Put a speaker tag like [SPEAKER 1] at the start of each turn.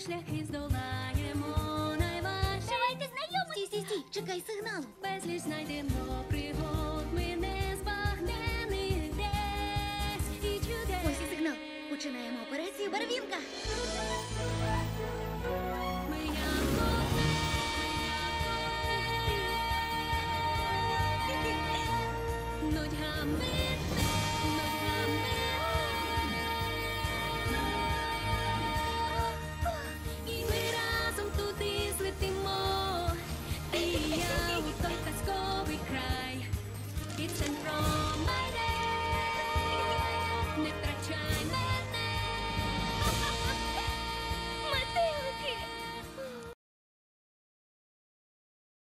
[SPEAKER 1] шляхи здолаємо найважче.
[SPEAKER 2] Давайте знайомитися.
[SPEAKER 3] Стій, чекай сигналу.
[SPEAKER 1] Безліч знайдемо пригод, ми не збагнених десь і чудес.
[SPEAKER 3] Ось і сигнал. Починаємо операцію Барвінка.
[SPEAKER 1] Ми як